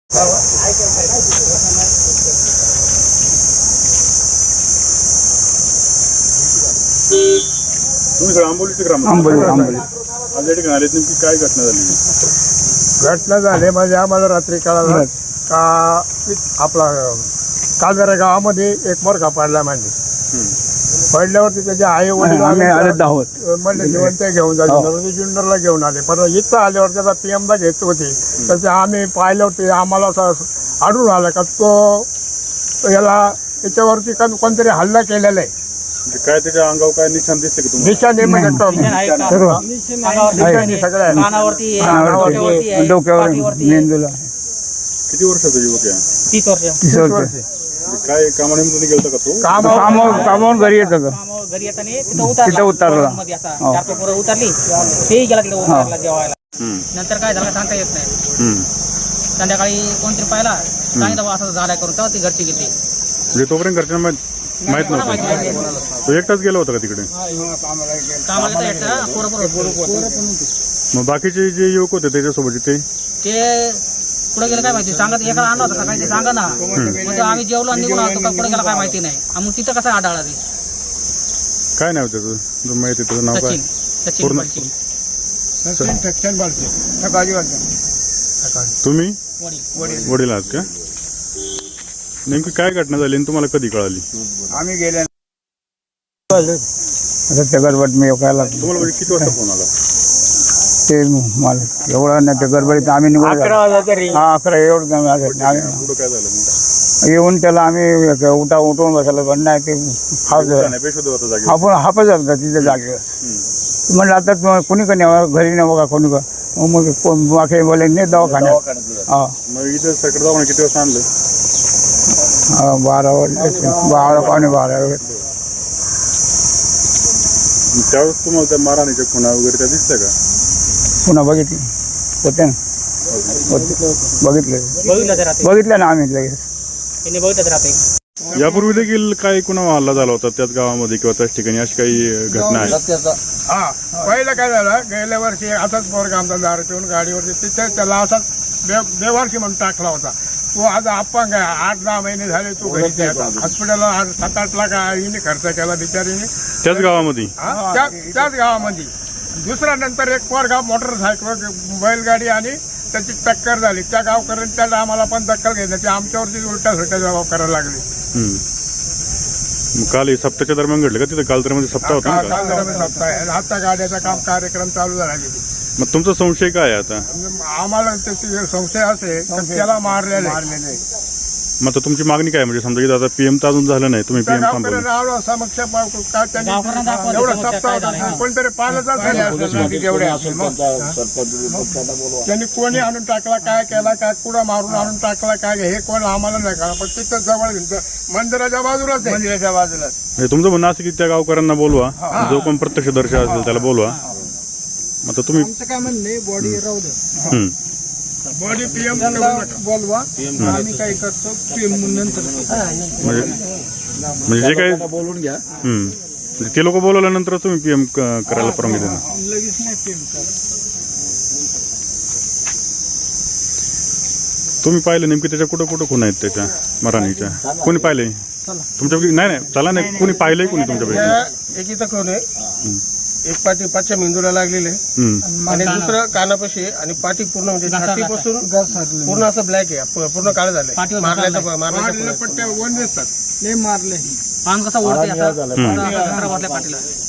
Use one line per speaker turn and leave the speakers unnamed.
तुम्ही सर आंबोलीचे
आंबोली
आज या ठिकाणी आलेत, नेमकी काय घटना झाली?
घटना झाली म्हणजे आम्हाला रात्री कळालं का आपला काजरा गावामध्ये एक मोरखा पडला म्हणजे पडल्यावरती त्याचे आई वडील म्हणले जेवण ते घेऊन जायचे जुन्नरला घेऊन आले. पण इथं आल्यावर त्याचा पीएमला घेत होते तर ते आम्ही पाहिल्यावरती आम्हाला असं आढळून आलं का तो याला त्याच्यावरती कोणतरी हल्ला केलेला आहे.
काय त्याच्या अंगावर काय निशाण दिसते की तुम्हाला?
निशाणे म्हणजे सगळ्या डोक्यावर मेंदूला.
किती वर्षाचा युवक आहे?
30 वर्ष.
काय कामानिमित्ताने गेलता का तो?
कामावून घरी येत होतं.
घरी येताना तिथं उतरला मध्ये असा 4 पेपर उतरली तेही गेला तिथे उतरला जेवायला. नंतर काय झालं सांगता येत नाही. संध्याकाळी कोणतरी पाहिला सांगितलं बा असं झालाय करून तेव्हा ती घरची गेली.
म्हणजे तोपर्यंत घरच्यांना माहित नव्हतं? तो एकटाच गेला होता का तिकडे?
कामाला तर एकटा पोरं.
मग बाकीचे जे युवक होते त्याच्यासोबत ते
पुढे गेलं काय माहिती सांगत एकाला आणला होता सकाळी ते सांगा ना म्हणजे आम्ही जेवलो आणि निघून आलो का पुढे गेला काय माहिती नाही. मग तिथं कसं आढळला ते?
काय नाव त्याचं? जो माहिती त्याचं नाव काय?
सचिन.
तुम्ही वडील आहात का? नेमकी काय घटना झाली आणि तुम्हाला कधी कळाली?
आम्ही गेले गडबड मी
तुम्हाला म्हणजे किती वाजता फोन आला?
ते मला एवढं नाही, त्या गडबडीत आम्ही निघून 11 एवढं
पुढं काय झालं मग?
येऊन त्याला आम्ही उठून बसायला पण नाही ते
बेशुद्ध होता जागेवर?
आपण हापच होता तिथे जागेवर. म्हणलं आता कोणी का नाही घरी नाही बघा कोणी का मग मागे बोले नाही दवाखान्यात. हा
मग इथं सरकार दवाखान्यात किती वाजता आणलं?
12 पावणे 12.
त्यावेळेस तुम्हाला त्या मारहाणीच्या खुणा वगैरे त्या दिसत्या का?
पुन्हा बघितली होते ना, बघितलं ना आम्ही लगेच.
यापूर्वी देखील काही कुणा हल्ला झाला होता त्याच गावामध्ये किंवा त्याच ठिकाणी, अशी काही घटना आहे?
हा पहिलं काय झालं गेल्या वर्षी असाच पोरगा आमचा दारू पिऊन गाडीवरती तिथे त्याला असाच बेवारशी म्हणून टाकला होता. तो आज अपंग आहे, 8-10 महिने झाले तो घरी हॉस्पिटलला 7-8 लाख आईने खर्च केला बिचारीने
त्याच गावामध्ये.
त्याच गावामध्ये. दुसऱ्या नंतर एक पोरगा मोटरसायकल बैलगाडी आणि त्याची टक्कर झाली. त्या गावकऱ्यांनी त्याला आम्हाला पण दखल घेण्याची आमच्यावरती उलट्या सुलट्या जबाब करायला लागली.
काल सप्ताहाच्या दरम्यान घडलं का तिथे? काल तर मध्ये सप्ताह होता ना?
सप्ताह आता गाड्याचा काम कार्यक्रम चालू झाला.
मग तुमचा संशय काय आहे आता?
आम्हाला त्याची संशय असे त्याला मारलेले.
मग आता तुमची मागणी काय? म्हणजे समजा आता पीएम तर अजून झालं नाही, तुम्ही पीएम थांबवलं.
समक्ष कोणतरी त्यांनी कोणी आणून टाकला, काय केला, काय कुठं मारून आणून टाकला, काय हे कोण आम्हाला नाही कळलं. पण तिथं जवळ मंदिराच्या बाजूलाच आहे. मंदिराच्या बाजूलाच.
तुमचं म्हणणं असं की त्या गावकऱ्यांना बोलवा, जो कोण प्रत्यक्षदर्शी असेल त्याला बोलवा. आता तुम्ही
काय म्हणणे बॉडी राहू दे, बॉडी पीएम बोलवा, आम्ही काय करतो पीएम नंतर.
म्हणजे जे काय बोलून घ्या, ते लोक बोलवल्यानंतर तुम्ही पीएम करायला परवानगी देणार?
लगेच नाही पीएम कर.
तुम्ही पाहिले नेमकी त्याच्या कुठं कुठं खून आहेत त्याच्या मारहाणीच्या? कोणी पाहिले तुमच्यापैकी? नाही चला नाही, कोणी पाहिलंय कोणी तुमच्यापैकी?
एक इथं कोण आहे, एक पाठी पाठच्या मेंदूला लागलेले आणि दुसरं कानापाशी आणि पाठी पूर्ण म्हणजे छातीपासून पूर्ण असं ब्लॅक आहे, पूर्ण काळ झालंय. मारले पट्ट्या वन दिसतात, मारले पान कसा ओढते पाठीला.